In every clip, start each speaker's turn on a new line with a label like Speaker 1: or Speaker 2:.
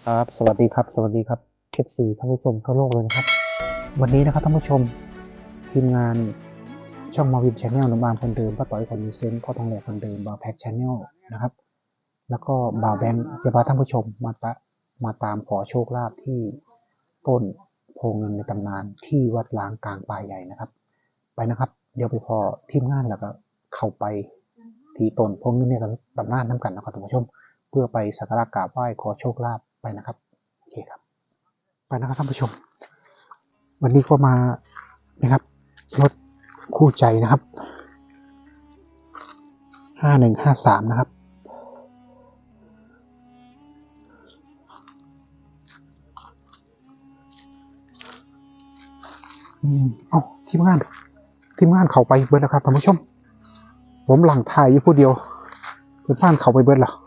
Speaker 1: ครับสวัสดีครับสวัสดีครับFCท่านผู้ชมทั่วโลกเลยนะครับวันนี้นะครับท่านผู้ชมทีมงานช่องมาวินชาแนลหนุ่มบางคนเดิมป้าต่อยคนมีเซนต์พ่อทองแหลกคนเดิมบาวแพ็กชาแนลนะครับแล้วก็บ่าวแบงค์จะพาท่านผู้ชมมาตามขอโชคลาภที่ต้นโพเงินในตำนานที่วัดล้างกลางป่าใหญ่นะครับไปนะครับเดี๋ยวไปพอทีมงานแล้วก็เข้าไปที่ต้นโพเงินในตำนานน้ำกันนะครับท่านผู้ชมเพื่อไปสักการะกราบไหว้ขอโชคลาภไปนะครับโอเคครับไปนะครับท่านผู้ชมวันนี้ก็มานะครับรถคู่ใจนะครับ5153นะครับเอาทีมงานเข้าไปเบิดแล้วครับท่านผู้ชมผมหลังถ่ายอยู่ผู้เดียวเพื่อนบ้านเข้าไปเบิดแล้ว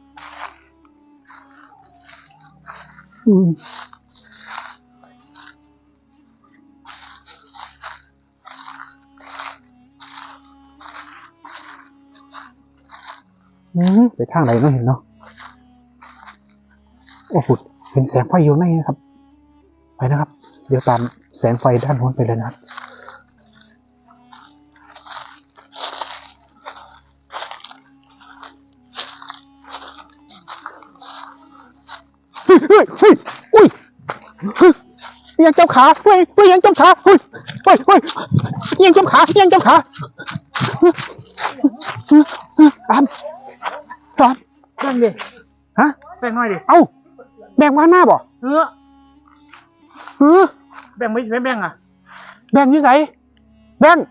Speaker 1: ไปทางไหนเนาะเห็นเนาะโอ้โหเห็นแสงไฟอยู่ในนะครับไปนะครับเดี๋ยวตามแสงไฟด้านโน้นไปเลยนะครับอุ้ยยังจับขาเฮ้ยยังจับขาเฮ้ยยังจับขาตาม
Speaker 2: แบ่งดิ
Speaker 1: ฮะ
Speaker 2: แบ่งหน่อยดิ
Speaker 1: เอ้าแบ่งมาหน้าบ่
Speaker 2: แบ่งไม่แบ่งอ่ะ
Speaker 1: แบ่งอยู่ไสแบ่ง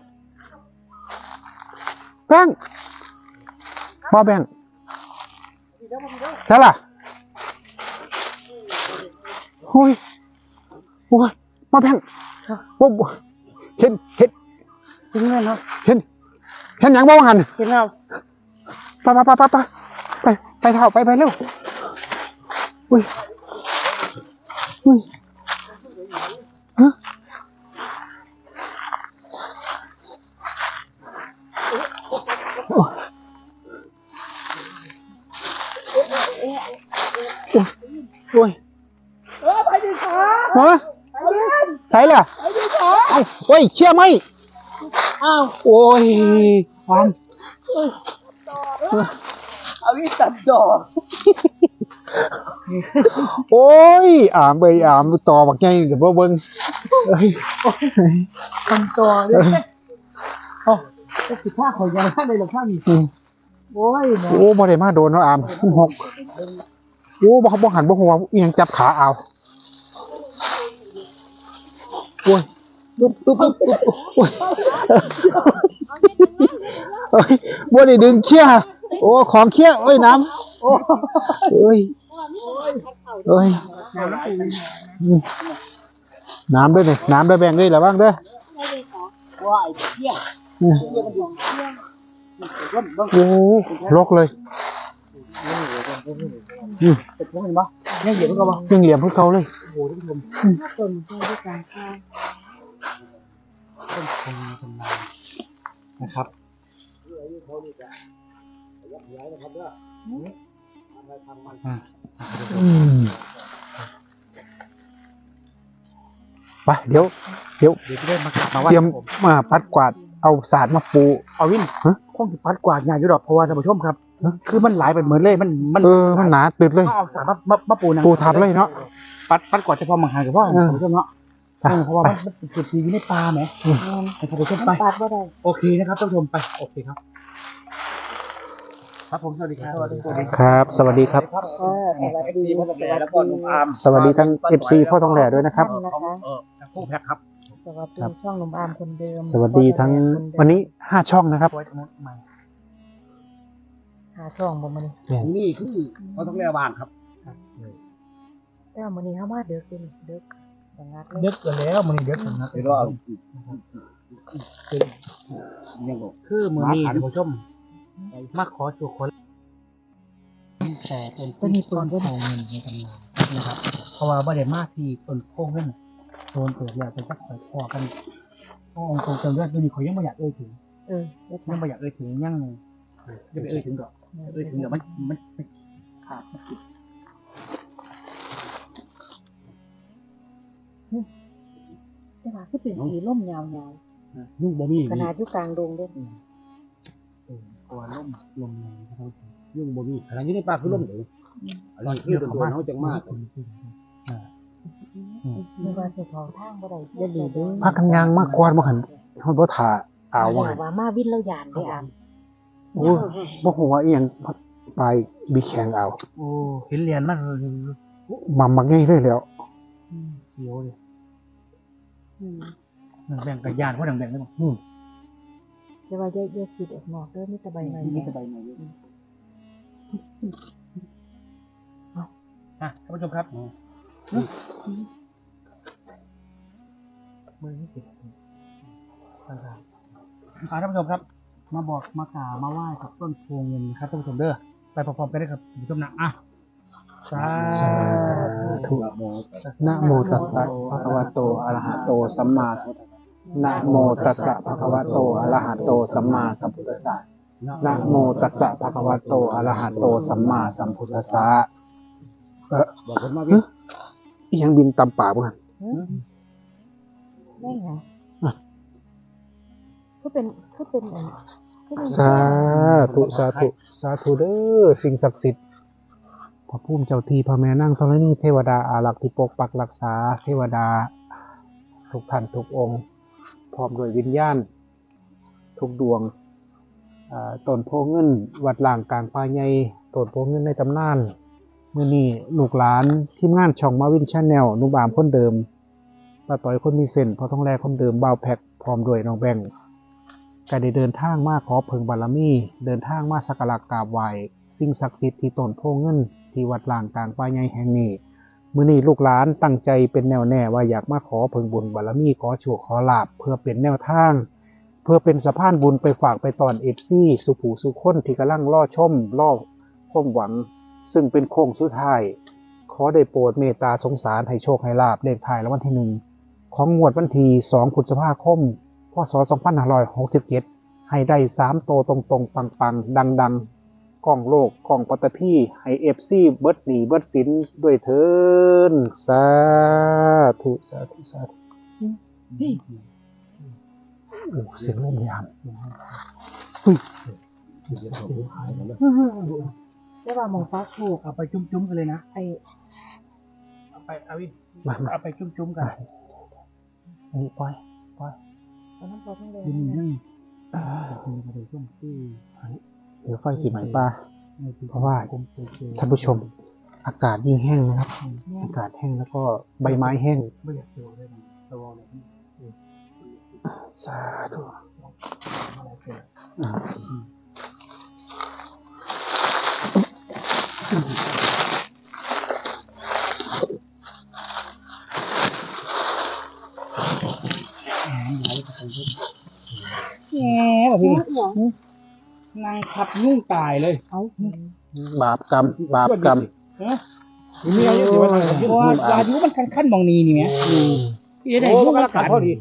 Speaker 1: บ่แบ่งใช่ล่ะโอ้ยมาแบ่งเห็น
Speaker 2: ยังไงเนาะ
Speaker 1: เห็นหยังบ่ว่าหั่น
Speaker 2: เห็นแล้ว
Speaker 1: ไปเท่าไปเร็วอุ้ยฮะโอ้ย
Speaker 2: ไปดิขา
Speaker 1: ฮะใช่ล่ะ
Speaker 2: ไปดิขา
Speaker 1: เอ้าโอ้ยเชื่อไหม
Speaker 2: อ้าว
Speaker 1: โอ้ยความ
Speaker 2: เอาวิตัดดอก
Speaker 1: โอ้ยอามต่อบักไงเดี๋ยวเบิ่งเอ้ย
Speaker 2: ทำตัวเลยโอ้จะสิฆ่าขอยยังได้หรอข้านี่โอ้ย
Speaker 1: โอ้บ่ได้มาโดนเนาะอามมันหกโอ้บ่หันบ่หัวยังจับขาเอาโอ้ยตุ๊บโอ้ยบ่ได้ดึงเขี้ยโอ้ของเขี้ยโอ้ยน้ำโอ้ยน้ำด้วยนี่น้ำด้วยแบ่งด้วยระวังเด้อ
Speaker 2: ว้ายเขี้ย
Speaker 1: โอ้ลกเลย
Speaker 2: เป็นพวกนี้ปะยังเหยียบพวกเขาปะ
Speaker 1: ยังเหลี่ยมพวกเขาเลย
Speaker 2: โอ้โหท่านผู้ชมต้นต้นด้วยการฆ่าต้นคงทำลายนะครับ
Speaker 1: ไปเดี๋ยว
Speaker 2: จะได้มา
Speaker 1: เตรียมมาปัดกวาดเอาศาสตร์มาปู
Speaker 2: เอาวินคงจะปัดกวาดงานอยู่ดอกเพราะว่าท่านผู้ชมครับคือมันหลายไปเหมือนเลยมัน
Speaker 1: หนาตึดเลย
Speaker 2: เอาสารมา
Speaker 1: ปูทับเลยเนาะ
Speaker 2: ปัดกวาดเฉพาะมังหากับพ่อท่านผู้ชมเนาะเพราะว่ามันเป็นจุดที่อยู่ในป่าไหมให้ท่านผู้ชมไปโอเคนะครับท่านผู้ชมไปโอเคครับครับผมสวัสดีครับ
Speaker 1: ครับสวัสดีครับสวัสดีทั้ง FC พ่อทองแหล่ด้วยนะครับ
Speaker 2: ผู้แพ็คครับ
Speaker 3: สวัสดีช่องหนุ่มอามคนเดิม
Speaker 1: สวัสดีทั้งวันนี้5ช่องนะครับ
Speaker 3: 5ช่องบ่มื้อนี้
Speaker 2: นี่คือพ่อทองแหล่บ้านครับ
Speaker 3: แต่มื้อนี้เฮามาเด้อคือเด้อสังกัดเลย
Speaker 2: เด็กกันแล้วมื้อนี้เด็กสังกัดแล้วคือมื้อนี้ท่านผู้ชมมาขอโชคคนแต่เป็นต้นโพเงินในตำนานนะครับเพราะว่าบ่ได้มาที่ต้นโพเงินโซนเปิดแล้วจะจักไปพอกันองค์ทรงเลือดตัวนี้เขายังไม่อยากเอ่ยถึงยังไม่อยากเอ่ยถึงยังจะไปเอ่ยถึงดอกเอ่ยถึงเดี๋ยวมันขาด
Speaker 3: แต่ว่าคือเป็นสีร่มยาว
Speaker 2: ยุ่งบ่มี
Speaker 3: ๆขนาดอยู่กลางดงเด้อ
Speaker 2: ตัวลมแรงครับยุ่งบ่มีขนาดนี้ในป่าคือลมเด้ออันนี้คือโดนเฮาจังมาก
Speaker 3: นึกว่าสิเขาทางบ่ได้อย่าดีเด้อ
Speaker 1: พากันยางมากกว่าบ่หันเฮาบ่ท่าเอาว่า
Speaker 3: แล้วว่ามาวินแล้วยานได้อาม
Speaker 1: โอ้บ่ฮู้ว่าอีหยังไปบีแข่งเอา
Speaker 2: โอ้เห็นเหรียญมัน
Speaker 1: มักง่ายเลยแล้ว
Speaker 2: เขียวเลยแบ่งกับยานเพราะแบ่งได้บ่
Speaker 3: แต่ว่าอย่าสิออกนอกเด้อมีแต่ใบไม้
Speaker 2: นี่จะใบใหม่อยู่ท่านผู้ชมครับมือนี่ติดท่านผู้ชมครับมาบอกมากราบมาไหว้กับต้นโพเงินครับท่านผู้ชมเด้อไปพร้อมๆกันได้ครับท่านผู้ชมนะสา
Speaker 1: ธุนะโมตัสสะภะคะวะโตอะระหะโตสัมมาสัมพุทธัสสะนะโมตัสสะภะคะวะโตอะระหะโตสัมมาสัมพุทธัสสะนะโมตัสสะภะคะวะโตอะระหะโตสัมมาสัมพุทธัสสะ
Speaker 2: บอกคนมาวิ่ง
Speaker 1: อีหยังบินตำป่าบ่หั่น
Speaker 3: ได้ไงคือเป็นอันคือเป็น
Speaker 1: สาธุสาธุสาธุเด้อสิ่งศักดิ์สิทธิ์พระภูมิเจ้าที่พระแม่นางธรณีเทวดาอารักษ์ที่ปกปักรักษาเทวดาทุกท่านทุกองค์พร้อมด้วยวิญญาณทุกดวงต้นโพเงินวัดล่างกลางป่าใหญ่ต้นโพเงินในตำนานมื้อนี้ลูกหลานทีมงานช่องมาวินชาแนลนุบามคนเดิมป้าต้อยคนมีเส้นพอต้องแลคนเดิมบ่าวแพ็คพร้อมด้วยน้องแบงค์ก็ได้เดินทางมาขอเพิ่งบารมีเดินทางมาสักการะกราบไหว้สิ่งศักดิ์สิทธิ์ที่ต้นโพเงินที่วัดล่างกลางป่าใหญ่แห่งนี้มื้อนี้ลูกหลานตั้งใจเป็นแนวแน่ว่าอยากมาขอเพิ่งบุญบารมีขอโชคขอลาภเพื่อเป็นแนวทางเพื่อเป็นสะพานบุญไปฝากไปตอน FC สุผู้สุคนที่กำลังรอชมรอความหวังซึ่งเป็นโค้งสุดท้ายขอได้โปรดเมตตาสงสารให้โชคให้ลาภเลขท้ายรางวัลที่1ของงวดวันที่2พฤษภาคมพศ2567ให้ได้3โตวตรงๆปังๆดังๆก้องโลกก้องปัตตภีให้ FC เบิดหนีเบิดสินด้วยเถินสาธุสาธุสาธุโอ้เสียงลมยามเฮ้ย
Speaker 3: แต่ว่าหมองฟ้าถูก
Speaker 2: เอาไปจุ้มๆกันเลยนะ
Speaker 3: ไอ้
Speaker 2: เอาไปเอาวิน
Speaker 1: มา
Speaker 2: เอาไปจุ้มๆกัน
Speaker 1: อันนี้ปล่อย
Speaker 3: เอาน้ำพอทั้งเลย
Speaker 2: ยืน
Speaker 3: นะ
Speaker 2: นึ่งเอาไปจุ้มที่
Speaker 1: เดี๋ยวไฟสีไหมปลาเพราะว่าท่านผู้ชมอากาศยิ่งแห้งนะครับ อากาศแห้งแล้วก็ใบไม้แห้ง
Speaker 2: ไม่อยากตัวได้ไหมตัวอะไรนี่
Speaker 1: สาธุ
Speaker 2: แง่แบบนี้นางขับนุ่งตายเลย
Speaker 3: เอา
Speaker 1: บาปกรรมบาปกรรม
Speaker 2: มีอะไรอยู่ว่าอายุมันขั้นมองนีนี่ไหมที่ได้ยุ่งกันพอดี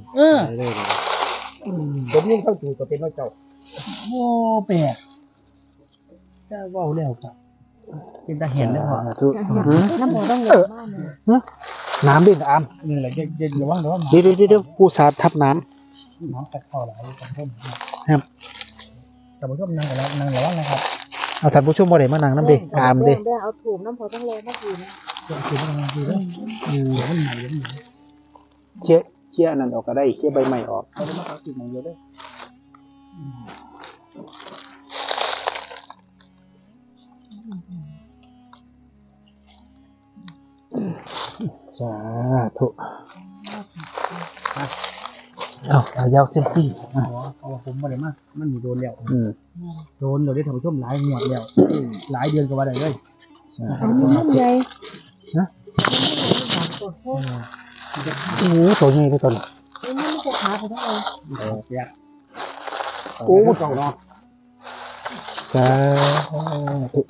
Speaker 2: ผมยุ่งเข้าจู่กับเป็นว่าเจ้าโอ้แปลกจะว่าแล้วครับเป็นตาเห็นแล้วพอ
Speaker 1: สาธุ
Speaker 3: น้ำพอต้องเลยมากเลย
Speaker 1: น้ำดินอาม
Speaker 2: นี่แหละเย็นระวังระวัง
Speaker 1: เดี๋ยวกูสาดทับน้
Speaker 2: น้ำตัดคอหลายกันต้นแต่ผมชอบนั่งกับนั่งระวังนะครับ
Speaker 1: ำเอาท่านผู้ชมบ่ได้มานั่งน้ำดิอามดิ
Speaker 3: เอาถูกน้ำพอต้องเลยมากิน
Speaker 2: เดี๋ยวคือมันดีแล้วเดี๋ยวมันใหม่เดี๋ยวมันใหม่
Speaker 1: เชี่ยนั่นออกก็ได้เชี่ยใบไม้ออก
Speaker 2: เขาจะมาเอาติดใหม่เยอะด้วย
Speaker 1: สาธุเอายาวเส้นซี่
Speaker 2: เพราะว่าผมไม่ได้มากมันมีโดนแล้ว
Speaker 1: Ừ.
Speaker 2: โดนเราได้ทำผู้ชมหลายงวดแล้วหลายเดือนก็ว่าได้เลย
Speaker 3: อันนี้มันใหญ่
Speaker 1: นะ
Speaker 3: ตัวโคตร
Speaker 1: โอ้ตัวใหญ่เลยตัวนี้
Speaker 3: นี่มันจะขาไปทั้งเลย
Speaker 2: เนี่ย
Speaker 1: โอ้เก่าเนาะสาธุ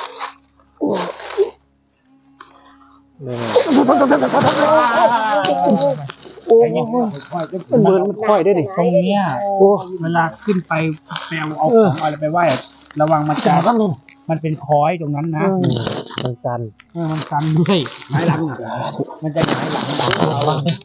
Speaker 1: โอ้มันเบิร์นมันค่อยได้ดิ
Speaker 2: ตรงเนี้ย
Speaker 1: โอ้
Speaker 2: เวลาขึ้นไปแปลเอาของอะไรไปไหว้ระวังมันจะ
Speaker 1: ข้างนู้น
Speaker 2: มันเป็นคอยตรงนั้นนะ
Speaker 1: มันจัน
Speaker 2: มันกันด้วยหงายหลังมันจะหงายหลังเรา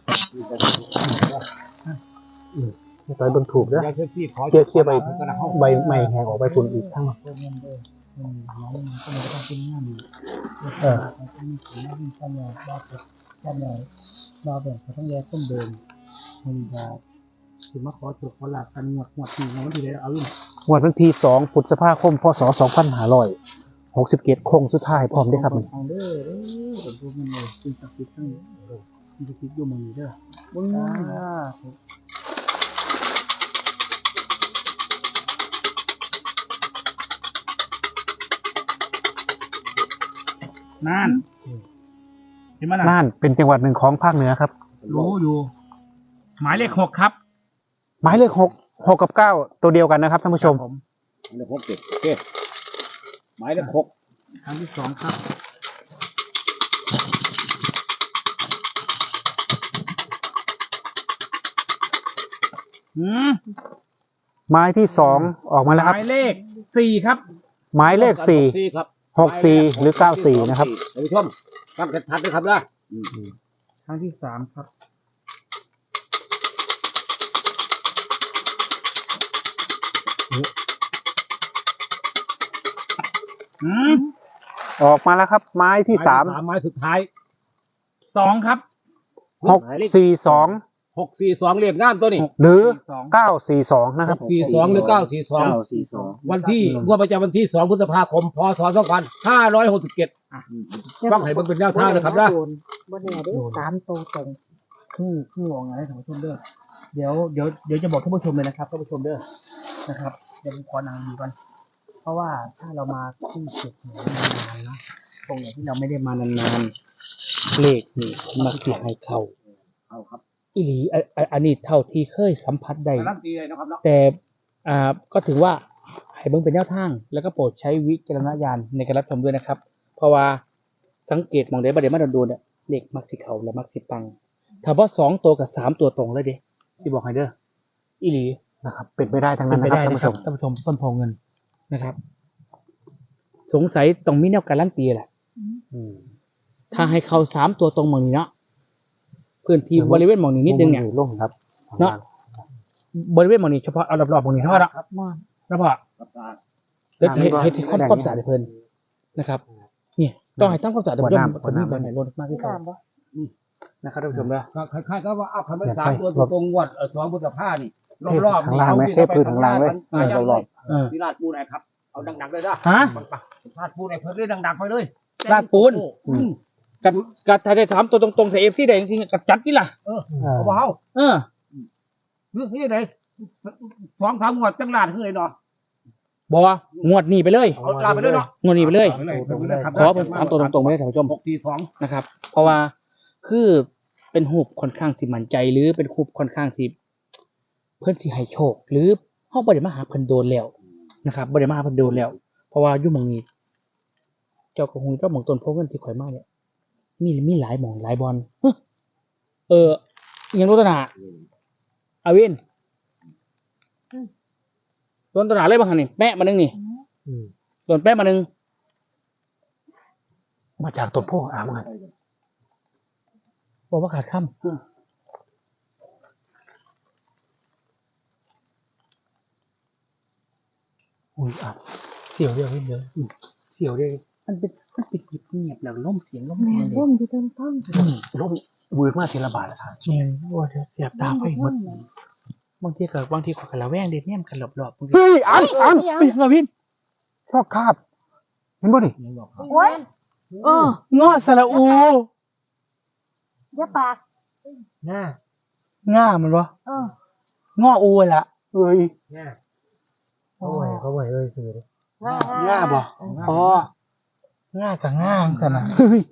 Speaker 1: ต่อยเบิ่งถูกเด้อ
Speaker 2: เจ้าที่ขอ
Speaker 1: เคลียร์ใบใหม่แหกออกไปฝุ่นอีกทั้ง
Speaker 2: น้องก็เลยต้องเป็นงานมันก็มีผลที่ทำงานบ้าแบบทำงานบ้าแบบเขาต้องแยกต้นเดิมมันจะถึงมาขอจุดขอหลักกันหวดที่น้องที่ได้เอาอยู่
Speaker 1: งวดวันที่2พฤษภาคมพศ2567โค้งสุดท้ายพร้อมเด้อครับมัน
Speaker 2: ทางเด้อผมดูมันเลยเป็นสักดิ์ทั้งมีสักดิ์อยู่มือเด้อบึ้งน่านเห็นไหม
Speaker 1: น่านเป็นจังหวัดหนึ่งของภาคเหนือครับ
Speaker 2: รู้อยู่ หมายเลข 6ครับ
Speaker 1: หมายเลข6กับ9ตัวเดียวกันนะครับท่านผู้ชม
Speaker 2: ผม
Speaker 4: หมายเลข6 7โอเคหมายเลข6
Speaker 2: ครั้งที่ 2ครับ
Speaker 1: หมายที่2ออกมาแล้ว
Speaker 2: ห
Speaker 1: ครับ
Speaker 2: มายเลข 4ครับ
Speaker 1: หมายเลข4
Speaker 4: ครับ
Speaker 1: 64หรือ94นะครับ
Speaker 4: ท่านผู้ชมฟังชัดๆด้วยครับนะ
Speaker 2: ครั้งที่ 3ครับ
Speaker 1: ออกมาแล้วครับ ไม้ที่3
Speaker 4: ไม้สุดท้าย
Speaker 2: 2ครับ
Speaker 1: 642
Speaker 4: 642เรียกงามตัวนี้
Speaker 1: หรือ942นะครับ
Speaker 4: 642หรือ942วันที่งวดประจำวันที่2พฤษภาคมพศ2567ฟังให้เบิ่งเป็นแนวทางนะครับนะ
Speaker 3: บ่แน่เด้3ตัวตรง
Speaker 2: คือวงไงท่านผู้ชมเด้อเดี๋ยวจะบอกท่านผู้ชมเลยนะครับท่านผู้ชมเด้อนะครับเดี๋ยวผมขอนางดูกันเพราะว่าถ้าเรามาที่จุดไหนนานๆนะตรงไหนที่เราไม่ได้มานานๆเลขนี่มักจะให้เข้า
Speaker 4: เอาครับ
Speaker 2: อีหลีอันนี้เท่าที่เคยสัมผัสได้
Speaker 4: การันตีเลยนะครับเนาะ
Speaker 2: แต่ก็ถือว่าให้เบิ่งเป็นแนวทางแล้วก็โปรดใช้วิจารณญาณในการรับชมด้วยนะครับ เพราะว่าสังเกตมองได้บ่ได้มาโดนๆเนี่ยเลขมักสิเข้าและมักสิปังถ้าว่า2ตัวกับ3ตัวตรงเลยเด้ที่บอกให้เด้ออีหลี
Speaker 1: นะครับ เป็นไปได้ทั้ง
Speaker 2: เป็
Speaker 1: นั้น น
Speaker 2: ไป
Speaker 1: นะครับ
Speaker 2: ได้
Speaker 1: ท่าน
Speaker 2: นะ
Speaker 1: ผู้
Speaker 2: ค
Speaker 1: ช
Speaker 2: รับ
Speaker 1: ม
Speaker 2: ท่านผู้ชมต้นโพเงินนะครับ สงสัยต้องมีแนวการันตีแหละ ถ้าให้เข้า3ตัวตรงหมองนี้เนาะพื้นที่บริเวณหมองนี้นิดนึงเนี่ย
Speaker 1: ลงครับ
Speaker 2: เนาะบริเวณหมองนี้เฉพาะเอารอบๆหมองนี้เท่านั้นละ
Speaker 3: ครับม่อน
Speaker 2: แล้วพอ
Speaker 4: ครับตา
Speaker 2: เดี๋ยวให้ความสะอาดให้เพิ่นนะครับเนี่ยต้องให้ทำความสะอาดเพิ่มคนนี้แบบไหนลดมากที่
Speaker 3: ที่
Speaker 2: สุด
Speaker 3: ตามบ่
Speaker 2: นะครับท่านผู้ชมนะ
Speaker 4: คล้ายๆก็ว่าเอาคำว่า3ตัวตรงงวด2พฤษภานี่รอบๆ
Speaker 1: ทางล่างไหมเทพื้นทางล่างเลยรอบ
Speaker 4: ที่ลาดปูนครับเอาดังๆเลยนะ
Speaker 2: ฮะ
Speaker 4: ลาดปูนเพิ่นเลยดังๆไปเลย
Speaker 2: ลาดปูน กัดถ้าได้ถามตัวตรงๆใส่ FC ได้จริงๆกัดจัดนี่ล่ะ
Speaker 4: เอาเบา
Speaker 2: เออ
Speaker 4: เรื่องนี้ไหน2-3งวดจังลาดคือไดเนาะ
Speaker 2: บ่งวดนี้ไปเลย
Speaker 4: เอาลาดไปเลยเนาะ
Speaker 2: งวดนี้ไปเลย
Speaker 4: ครับ
Speaker 2: ขอเป็น3ตัวตรงๆไปเลยท่านผู้ชม
Speaker 4: 642
Speaker 2: นะครับ เพราะว่าคือเป็นหูบค่อนข้างสิมั่นใจ หรือเป็นหูบค่อนข้างสิเพิ่นสิให้โชค หรือเฮาบ่ได้มาหาเพิ่นโดนแล้วนะครับบ่ได้มาหาเพิ่นโดนแล้ว เพราะว่าอยู่หม่องนี้ เจ้าก็ฮู้เจ้าหม่องต้นโพเงินที่ข่อยมาเนี่ยมีหลายหม่องหลายบอลอิหยังรู้ตนาอาวินต้นตนาเลยบ่คั่นนี่แปะมานึงนี่ต้นแปะมานึง
Speaker 1: มาจากต้นโพอ่ามา
Speaker 2: บอกว่าขาดค่ำอุ้ยเสียวเดียวนิดเดียวเสียวเดียวมันเป็นเงียบแล้วล่มเสียงล่ม
Speaker 3: แม่
Speaker 2: แรงเลย
Speaker 3: ร่มอยู่ต้นต้น
Speaker 1: ลงวืดมากทีละบาทครับ
Speaker 2: แม่งว่าจะเสียบตาไฟหมดบางทีขอยกระแวงเด็ดเนี่ยมันกันหลบๆบางที
Speaker 1: เฮ้ยอัน
Speaker 2: ไปยังไงพี่
Speaker 1: ชอบคาบเห็นบ่ดิ
Speaker 3: โอ้ย
Speaker 2: งอสระอู
Speaker 3: อย่าปาก
Speaker 2: ง่ามันวะงออูละ
Speaker 1: เอ้ย
Speaker 2: เขาไหวเอ้ยคือ
Speaker 3: ง่า
Speaker 2: บ่อ๋อง่ากับง่ากันนะ
Speaker 1: เฮ้ย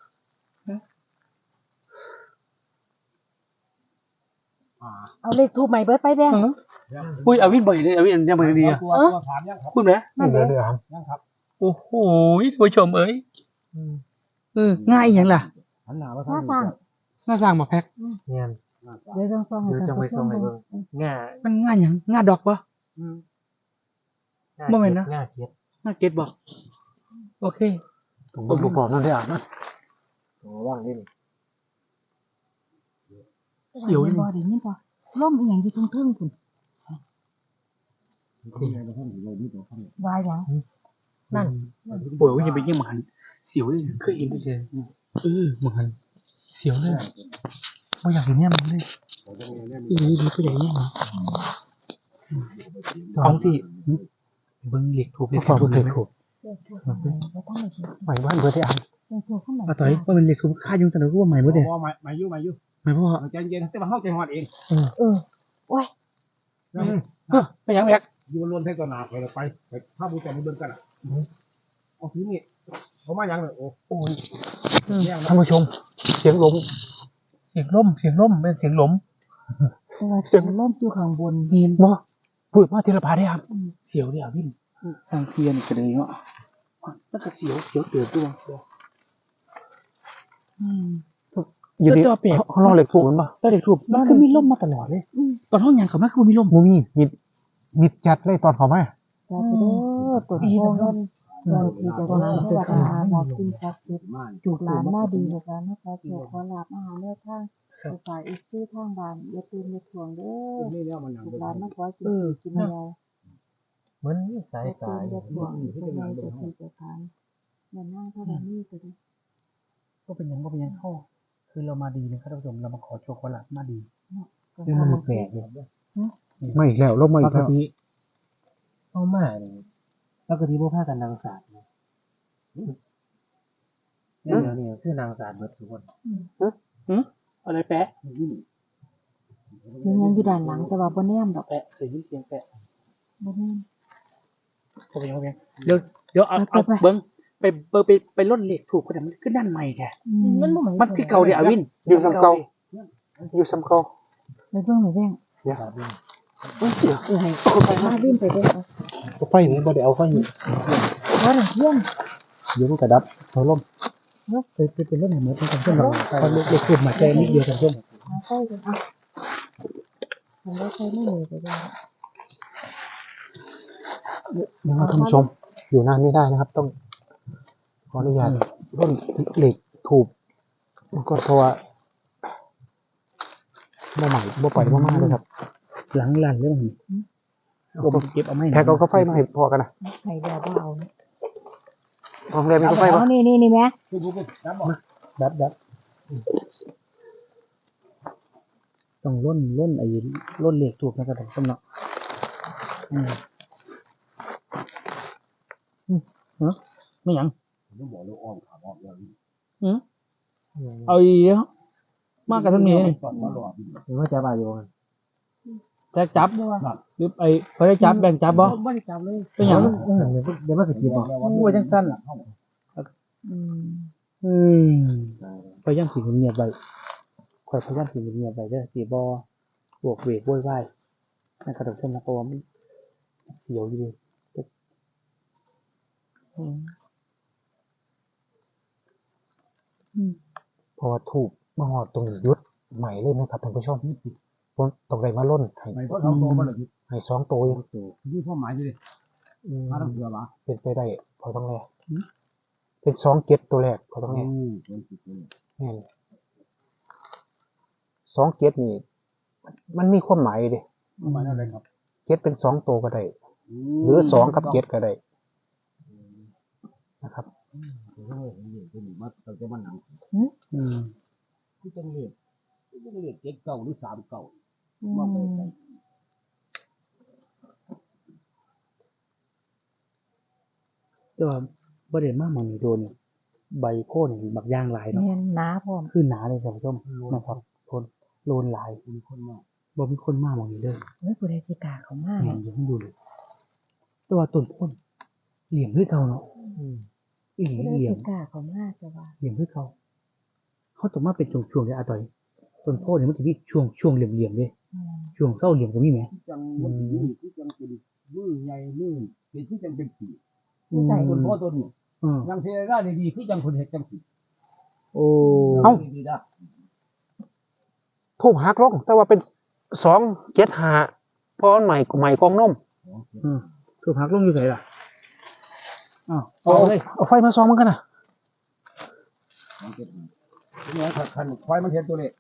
Speaker 3: เอาเลขทูบใหม่เบิดไปแดง
Speaker 2: อุ้ยอาวินบ่อยเลยอาวินยังบ่อยดีอ่ะ
Speaker 4: ตัวถามยังครับ
Speaker 2: พูดไหม
Speaker 1: เหลือครับ
Speaker 4: ยังครับ
Speaker 2: โอ้โหผู้ชมเอ้ยง่ายอย่างล่ะ
Speaker 4: หันหน้ามา
Speaker 3: หน้าสั่ง
Speaker 2: ง่าสร้างมาแพ็ค
Speaker 1: เนี่ย
Speaker 3: เดี๋ยวต้องส่องให้ท่านผู้ชมดู
Speaker 1: ง่า
Speaker 2: มันง่ายอย่างง่าดอกปะบ่แม่นนะ
Speaker 1: ง่าเกียด
Speaker 2: ง่าเก็ตบ่โอเค
Speaker 1: ผมเบิ่งประกอบนั่นได้อ่ะนะ
Speaker 4: ว่างนี่นี่
Speaker 3: เสียวบ่ได้ยินป่ะล่มอีหยังอยู่ตรงเทิงพุ่นวายหยัง
Speaker 2: นั่นโอ้ยยังไปยิ่งมันเสียวเลยเคยเห็นด้วยเลยมันเสียวเลยว่าอยากเห็นเนี่ยมันเลยดีก็อย่างนี้ของที่เบิ้งเหล็กถูก
Speaker 1: ฟังเพิ่นถูก
Speaker 3: เด็กถูกบ่ต้องมาคิด
Speaker 1: ใหม่บ้านเบิดได้อ่ะ
Speaker 3: เด็กถูกเข้ามา
Speaker 2: มาต่อยว่ามันเหล็กถูกค่ายุ่งสนุกว่าใหม่หมดเลย
Speaker 4: มาอยู่
Speaker 2: หมายเพราะว่า
Speaker 4: ใจเย็นแต่ว่าเข้าใจหอดเอง
Speaker 3: โอ้ย
Speaker 2: ไม่ยังแบก
Speaker 4: อยู่ล้วนแท้ตัวหนาไปเลยไปถ้าบูชาในเบื้องกันเอาทีนี้เขามายังเลยโอ้ย
Speaker 1: ท่านผู้ชม เสียงลม
Speaker 2: เสียงล่มเป็นเสียงหลม
Speaker 3: แต่ว่าเสียงล่มอยู่ข้างบน
Speaker 2: มีน
Speaker 1: บ่พูดมาทีละพาได้อ่ะ
Speaker 2: เสียวเนี่ยพี่ทางเทียนกระเดยเนาะมันก็เสียวเตือนตัว
Speaker 1: อยู่ดี
Speaker 2: แล้วตัวแปลก
Speaker 1: เขาลองเหล็กถูกมันป่ะ
Speaker 2: แล้วเด็กถูกมันคือมีล่มมาตลอดเลยตอนห้องยังเขาไม่คือมีล่ม
Speaker 1: มูมี่มิดจัดเลยตอนเขามา
Speaker 3: สาธุเด้อตัวโพเงินเงินที่จะมาให้วัดอาหารมาสิ่งศักดิ์สิทธิ์จุกหลานมาดีแล้วกันนะคะขอขอลาบอาหารเนื้อทางสุขายอีกที่ทางบ้านอย่าตื่นอย่าถ่วงเด้อ
Speaker 4: นี่เนี่ยมันหนัง
Speaker 3: จุกหลานมาขอสิ่งที่กินเดียว
Speaker 2: เหมือนสา
Speaker 3: อย่าตื่นอย่าถ่วงจะไงจะที่จะทานอย่านั่งเท่าไรนี่ก็ได้
Speaker 2: ก็เป็นยังเข้าคือเรามาดีนะครับท่านผู้ชมเรามาขอโชว์ขอหลับมาดี
Speaker 3: ก็
Speaker 2: เป็น
Speaker 3: ทำ
Speaker 2: มันแปลกเลย
Speaker 1: ไม่อีกแล้วลมมา
Speaker 2: ป
Speaker 1: อีก
Speaker 2: ก
Speaker 1: แล้ว
Speaker 2: ติเข้ามาเนี่ยปกติพวกผ้ากันนางศาสตร์เนี่ยคือนางศาสตร์เบิดทุกคนอะไรแปะ
Speaker 3: เสียงยังอยู่ด้านหลังแต่ว่าบ่แนมดอก
Speaker 2: แปะเสียงเสียงแปะ
Speaker 3: บ่แนม
Speaker 2: เข้าไปยังเดี๋ยวเอาเบิ้งไปล่นเหล็กถูกคนนั้นมันขึ้นด้านใหม่แท้มันคือเก่าเดียอวิน
Speaker 1: อยู่ซ้ำเก่าอยู่ซ้ำเก่า
Speaker 3: ไปเบิ่งไปแบ่ง
Speaker 1: เดี๋ยว
Speaker 3: ให้ไปมาวิ่งไปเด้อ
Speaker 1: ก็ไฟนี่บ่ได้เอาไฟนี่
Speaker 3: ว่าเที่ยง
Speaker 1: เดี๋ยวมันกระดับเขาล่ม
Speaker 2: ไปเล่นไหนเหมือนกันเพื่อนเราพอเหล็กถูกมาแจ้งนิดเดียวกันเพื่อน
Speaker 3: หาใส่กันอ่ะทำได้ใส่ไม่เลยไปได้
Speaker 1: นะครับท่านผู้ชม อยู่นานไม่ได้นะครับ ต้องขออนุญาตร่นเหล็กถูกก็เพราะว่าบ่ใหม่บ่ปล่อยบ่มากเลยครับ
Speaker 2: หลังลั่นเลยมั้งผมเก็บเอาไม่
Speaker 1: แพ็กเอากาแฟมาให้พอกันนะ
Speaker 3: ไข่ดาวบ่เอา
Speaker 1: โรงแรมมีกาแฟป่ะ
Speaker 3: นี่แม่
Speaker 2: ดับต้องล่นไอ้ล่นเหล็กถูกนะครับผมเนาะไม่ยัง
Speaker 4: ต้องบอกเลยอ้อมขาอ้อมอย่างนี้
Speaker 2: เอาอีกมากกับท่านนี้
Speaker 4: ก่อนมาหลอด
Speaker 2: หรือว่าจะไปอยู่แจ็คจับหรือไอ้เขาได้จับแบ่งจับบ่ไม่ได้จับเลยเป็นอย่างเดี๋ยวมาสกินบ่โอ้ยจังสั้นพยายามสิเงียบไปคอยพยายามสิเงียบไปเด้อสิบ่บวกเวกโวยวายนะครับท่านผู้ชมนะเพราะว่ามันเสียวอยู่ดี
Speaker 1: พอถูกมาหอดตรงยุดใหม่เลยไหมครับท่านผู้ชมผมตรงไหนมาล่นให้
Speaker 4: ไม่เพราะเราโตมาเลย
Speaker 1: ให้สองตัวยัง
Speaker 4: นี่พ่อหมายเลยมาทำเสือมา
Speaker 1: เป็นไปได้พอต้องแรกเป็นสองเก็ตตัวแรกพอต้องแรกแน่นสองเก็ตนี่มันมีความหมายดิ
Speaker 4: หมายอะไรครับ
Speaker 1: เก็ตเป็นสองตัวก็ได้หรือสองกับเก็ตก็ได้นะครับ
Speaker 4: มาตั้งแต่มันหนังที่จังเลยที่จังเลย7 เก่าหรือ3 เก่ามาไป
Speaker 2: แต่ว่าประเด็นมากมันโดนใบโค่นบักย่างลายเนาะ
Speaker 3: แม่นหนาพร้อม
Speaker 2: คือหนาเลยท่านผู้ชมนะครับทนโลนลาย
Speaker 4: มีคนมาก
Speaker 2: บ่มีคนมากมองนี้เลย
Speaker 3: เฮ้ยผู้ใดสิกล้าเข้ามา
Speaker 2: เห็นอยู่ให้ดูเลยแต่ว่าต้นพ่นเหลี่ยมด้วยเขาเนาะอีหลี
Speaker 3: ผู้ใด
Speaker 2: เหลี่ย
Speaker 3: สิ
Speaker 2: ม
Speaker 3: กล้าเข้ามาจะว่า
Speaker 2: เหลี่ยมด้วยเขาต้องมาเป็นช่วงๆเลยอาต่อยต้นโพเนี่ยมันจะมีช่วงเหลี่ยมๆเลยช่วงเศร้าเหลี่ยมก็มีไหม
Speaker 4: ที่จังมันที่จังเป็นมือใหญ่มือเป็นที่จังเป็นปี
Speaker 3: ใส่
Speaker 4: ต้นพ่อต้นนี้
Speaker 2: อืม
Speaker 4: ยังเทได้ดีที่จังคนเห็ดจังสี
Speaker 2: โอ้
Speaker 4: ดีได้
Speaker 1: ทูบหักลงแต่ว่าเป็นสองเก็ตหาเพราะมันใหม่กองนม
Speaker 2: ถูกพักลงอยู่ไหนล่ะเอาเลย
Speaker 1: เอาไฟมาส่องมันกันนะ
Speaker 4: นี่คันควายมันเห็นตัวเลข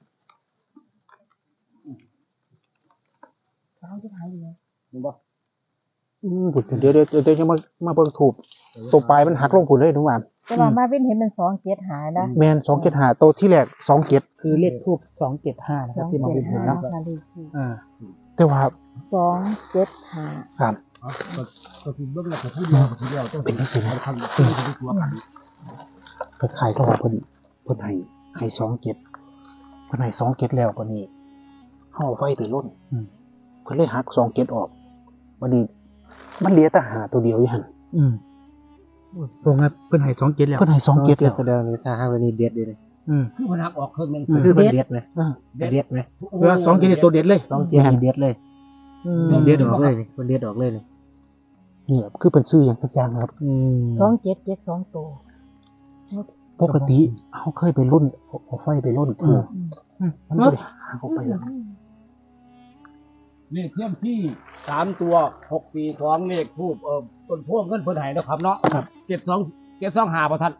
Speaker 3: เขาจะหายอยู่
Speaker 4: เห็นบ่
Speaker 1: บุดเดี๋ยวจะมาเบิ่งถูกตัวปลายมันหักลงผุนเลยทุกวัน
Speaker 3: แต่ว่ามาเป็นเห็นเป็น2 7หายนะ
Speaker 1: แมน275ตัวที่แรก27
Speaker 2: คือเลขทูบ275นะครับที่มาวินเห็นเนาะ
Speaker 3: ค่ะเลขทูป
Speaker 1: แต่ว่า
Speaker 3: 275
Speaker 1: ครับ
Speaker 4: ก็คือเบิ่งแล้วก็ผู้เดียวผู้เดียวต้อง
Speaker 1: เป็นจังซี่นะ
Speaker 4: คันที่เป็นตัวกัน
Speaker 1: เพิ่นขายก็ว่าเพิ่นให้27เพิ่นให้27แล้วบัดนี้เฮาเอาไฟไปล่นเพิ่นเลยหัก27ออกบัดนี้มันเหลือแต่หาตัวเดียวอยู่หั่น
Speaker 2: ตรงนั้นเพิ่นให้27แล้ว
Speaker 1: เพิ่นให้27แล้ว
Speaker 2: แสดงเลยถ้าหากวันนี้เด็ดเลย
Speaker 4: คือมันหักออกครึ่งนึง
Speaker 2: คือมันเด็ดเลยเด็ดเลยเออ27นี่ตัวเด็ดเลย27เด็ดเลยเด็ดออกเลยนี่มันเด็ดออกเลยนี่
Speaker 1: นี่คือเป็นซื้ออย่างสักอย่างนะครับ
Speaker 3: 2772ตัว
Speaker 1: ปกติเขาเคยไปรุ่นเอาไฟไปรุ่นถูกมันก็ได้หาออกไปแล้ว
Speaker 4: เลขเทียมที่3ตัว642เลขทูบต้นพวงเงินเพิ่นให้นะครับเนาะ7225บ่ทัน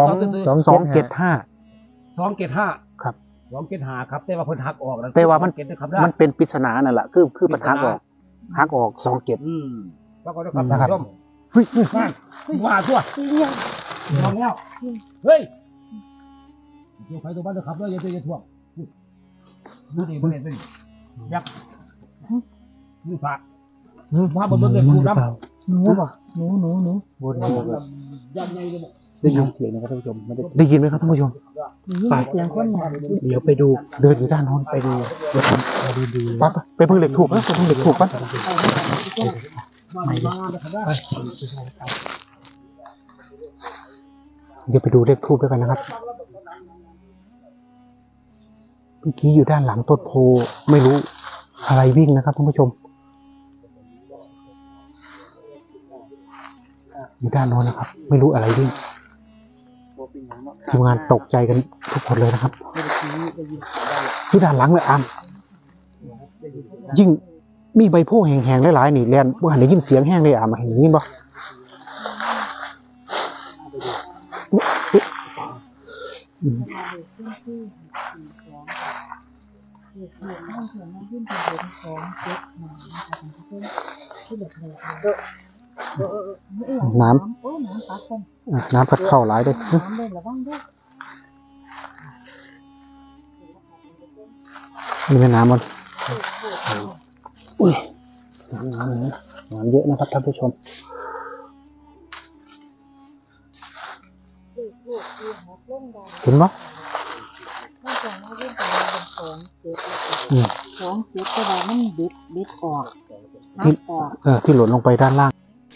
Speaker 1: 275 ครับ
Speaker 4: 275ครับแต่ว่าเพิ่นหักออก
Speaker 1: แต่ว่ามัน
Speaker 4: เก็บนะครับ
Speaker 1: มันเป็นปริศนานั่นแหละคือมันหักออก27
Speaker 4: แล้วก็นะครับ
Speaker 1: นะครับ
Speaker 4: ท่านผู้ชมว่าตัวมองแล้วเฮ้ยตัวใครตัวบ้านนะครับแล้วอย่าท่วงดูดิบ่เห็นบ่ดิยักษ์มือฝากมาเบิ่งเลยคูน้ำ
Speaker 3: หนูบ่หนู
Speaker 2: วน
Speaker 4: ยันใหญ่เลยบ่
Speaker 2: ได้ยินเสียงนะครับท่านผู้ชมไม่ได้
Speaker 1: ได้ยินไหมครับท่านผู้ชม
Speaker 3: นี่เสียงคนหนา
Speaker 2: เดี๋ยวไปดู
Speaker 1: เดินอยู่ด้านโน้น
Speaker 2: ไปดูดู
Speaker 1: ปั๊บไปเพิ่งเหล็กถูกนะไปเพิ่งเหล็กถูกปั๊บ
Speaker 4: มานะครับได้
Speaker 1: เดี๋ยวไปดูเลขทูบด้วยกันนะครับเมื่อกี้อยู่ด้านหลังต้นโพไม่รู้อะไรวิ่งนะครับท่านผู้ชมอยู่ด้านโน้นนะครับ ไม่รู้อะไรวิ่งทีมงานตกใจกันทุกคนเลยนะครับที่ด้านหลังเลยอามยิ่งมีใบโพแห้งๆหลายๆนี่แลนบ่หันได้ยินเสียงแห้งเลยอามเห็นยินบ่น้ำพัดเข้าหลายเลย
Speaker 3: น้ำเลยระวังด้วย
Speaker 1: นี่แม่น้ำมันอุ้ยน้ำเยอะนะครับท่านผู้ชมเห็นปะ
Speaker 3: 2 7ก็ได้มันบิดออก
Speaker 1: ที่หล่นลงไปด้านล่าง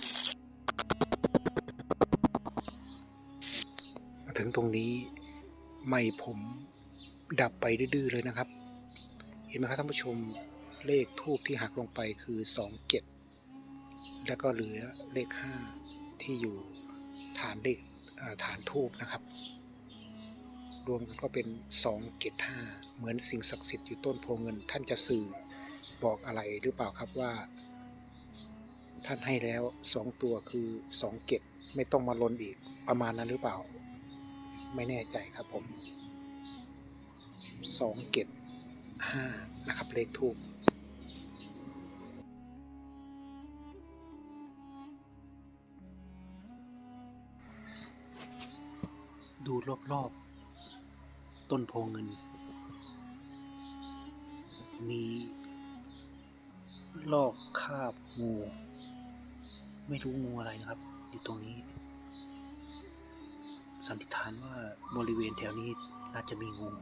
Speaker 1: มาถึงตรงนี้ไม่ผมดับไปดื้อๆเลยนะครับเห็นไหมครับท่านผู้ชมเลขทูบที่หักลงไปคือ27แล้วก็เหลือเลข5ที่อยู่ฐานเลขฐานทูบนะครับรวมกันก็เป็น275เหมือนสิ่งศักดิ์สิทธิ์อยู่ต้นโพเงินท่านจะสื่อบอกอะไรหรือเปล่าครับว่าท่านให้แล้ว2ตัวคือ27ไม่ต้องมาลนอีกประมาณนั้นหรือเปล่าไม่แน่ใจครับผม275นะครับเลขทูปดูรอบๆต้นโพเงินมีลอกคราบงูไม่รู้งูอะไรนะครับอยู่ตรงนี้สันนิษฐานว่าบริเวณแถวนี้น่าจะมีงู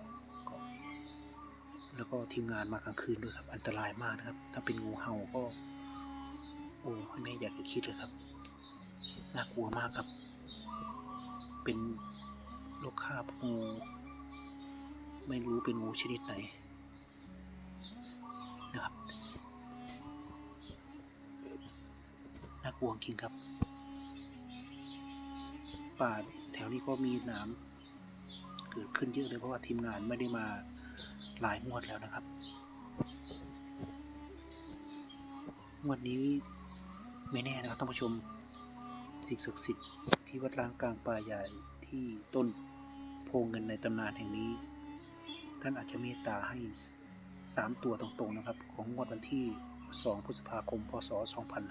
Speaker 1: แล้วก็ทีมงานมากลางคืนด้วยครับอันตรายมากนะครับถ้าเป็นงูเห่าก็โอ้ไม่อยากจะคิดเลยครับน่ากลัวมากครับเป็นโรคคราบงูไม่รู้เป็นงูชนิดไหนนะครับน่ากลัวจริงครับป่าแถวนี้ก็มีหนามเกิดขึ้นเยอะเลยเพราะว่าทีมงานไม่ได้มาหลายงวดแล้วนะครับงวดนี้ไม่แน่นะครับท่านผู้ชมสิ่งศักดิ์สิทธิ์ที่วัดล้างกลางป่าใหญ่ที่ต้นโพเงินในตำนานแห่งนี้ ท่านอาจจะเมตตาให้3 ตัวตรงๆนะครับของงวดวันที่2 พฤษภาคม พศ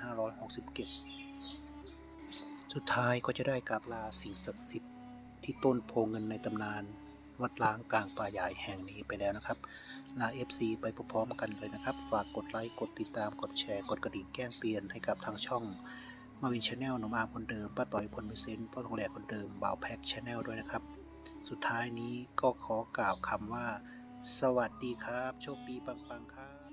Speaker 1: 2567 สุดท้ายก็จะได้กราบลาสิ่งศักดิ์สิทธิ์ที่ต้นโพเงินในตำนานวัดล้างกลางป่าใหญ่แห่งนี้ไปแล้วนะครับลา FC ไปพร้อมๆกันเลยนะครับฝากกดไลค์กดติดตามกดแชร์กดกระดิ่งแจ้งเตือนให้กับทางช่องมาวินชาแนลหนุ่มอาร์มคนเดิมป้าต่อยคนมีเซนต์พ่อทองแหลกคนเดิมบ่าวแพ็กชาแนลด้วยนะครับสุดท้ายนี้ก็ขอกล่าวคำว่าสวัสดีครับโชคดีปังๆครับ